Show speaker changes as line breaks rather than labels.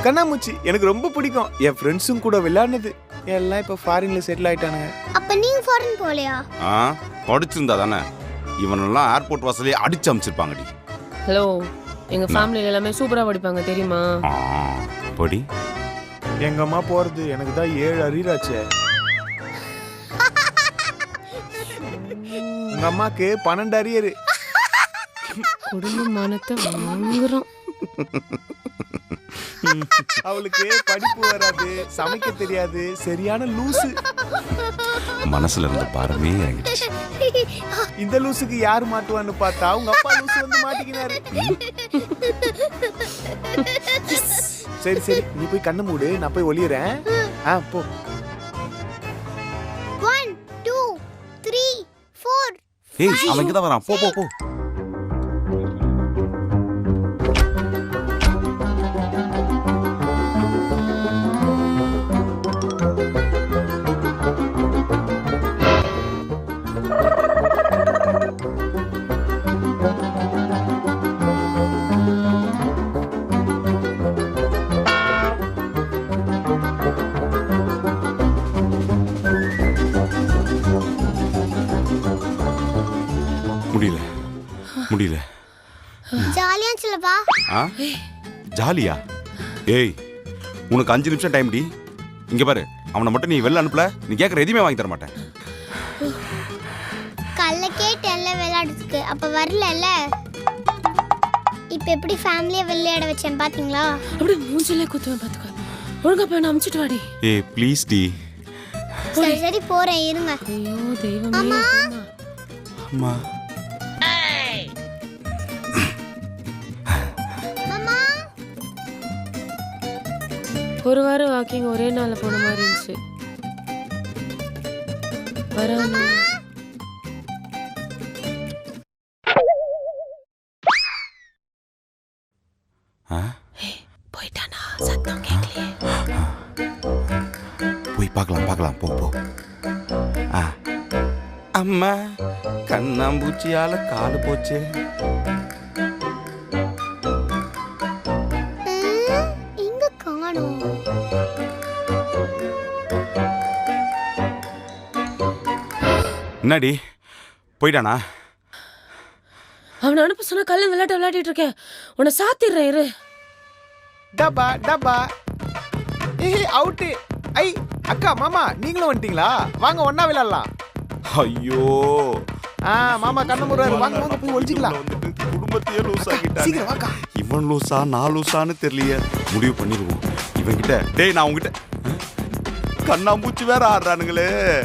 கண்ணாமூச்சி எனக்கு ரொம்ப பிடிக்கும். என் ஃப்ரெண்ட்ஸும் கூட விளையாடுனது எல்லாம் இப்ப ஃபாரின்ல செட்டில் ஆயிட்டானுங்க.
அப்ப நீங்க ஃபாரின் போலையா?
படிச்சிருந்தா தானே இவனெல்லாம் ஏர்போர்ட் வாசலே அடிச்சு அமைச்சிருப்பாங்கடி.
ஹலோ, எங்க ஃபேமிலில எல்லாமே சூப்பரா படிப்பாங்க தெரியுமா?
படி.
எங்க அம்மா போறது எனக்கு தான் 7 அரியராச்சே. உங்க அம்மாக்கு 12 அரியரு.
குடும்ப மானத்தை வாங்குறோம்.
அவளுக்கு படிப்பு வராது, சமைக்க தெரியாது, சரியான லூசு.
மனசுல இருந்த பாரமே இறங்கிடுச்சு.
இந்த லூசுக்கு யாரு மாட்டுவான்னு பார்த்தா உங்க அப்பா லூசு வந்து மாட்டிக்கினாரு. சரி சரி, நீ போய் கண்ணு மூடு, நான் போய் ஒளியறேன். போ.
1 2 3 4.
ஏய், அவன் இங்க தான் வரான். போ போ போ. முடியல முடியல.
ஜாலியா சொல்லவா?
ஜாலியா? ஏய், உனக்கு 5 நிமிஷம் டைம் டி. இங்க பாரு, அவனை மட்டும் நீ வெளில அனுப்பல, நீ கேட்கற எதுவுமே வாங்கி தர மாட்டேன்.
கல்ல கேட்டேன்ல விளையாடுறதுக்கு, அப்ப வரலல்ல. இப்ப எப்படி ஃபேமிலியை விளையாட வச்சேன் பாத்தீங்களா?
அப்படியே மூஞ்சிலே குத்துவேன் பாத்துக்க. ஒழுங்கா போய் அனுப்பிச்சிட்டு வாடி.
ஏய் ப்ளீஸ் டி.
சரி சரி போறேன், இருங்க.
ஐயோ தெய்வமே.
அம்மா.
அம்மா.
அம்மா.
ஒரு வாரம் வாக்கிங் ஒரே நாள்ல போன மாதிரி இருந்துச்சு. வராம போயிட்டானா? சத்தம் கேட்கலையே.
போய் பார்க்கலாம் பார்க்கலாம், போ போ. அம்மா, கண்ணாம்பூச்சியால காலு போச்சு.
இங்க காணோம்.
என்னடி போயிட்டானா?
அவனை அனுப்ப சொன்னா கல்ல விளையாட்டு விளையாடிட்டு இருக்கேன். உன்னை சாத்திடுறேன் இரு.
டபா டபா. ஏய் அவுட். ஐ அக்கா மாமா நீங்களும் வந்துட்டீங்களா? வாங்க ஒண்ணா விளையாடலாம்.
ஐயோ,
மாமா கண்ணு மூடுறாரு, வாங்க வாங்க போய் ஒளிஞ்சிக்கலாம்.
வந்துட்டு குடும்பத்தையே லூஸ் ஆகிட்டான்.
சீக்கிரம் வாக்கா.
இவன் லூசா நான் லூசான்னு தெரியலையே. முடிவு பண்ணிடுவோம் இவன் கிட்ட. டேய், நான் உங்ககிட்ட கண்ணாம்பூச்சி வேற ஆடுறானுங்களே.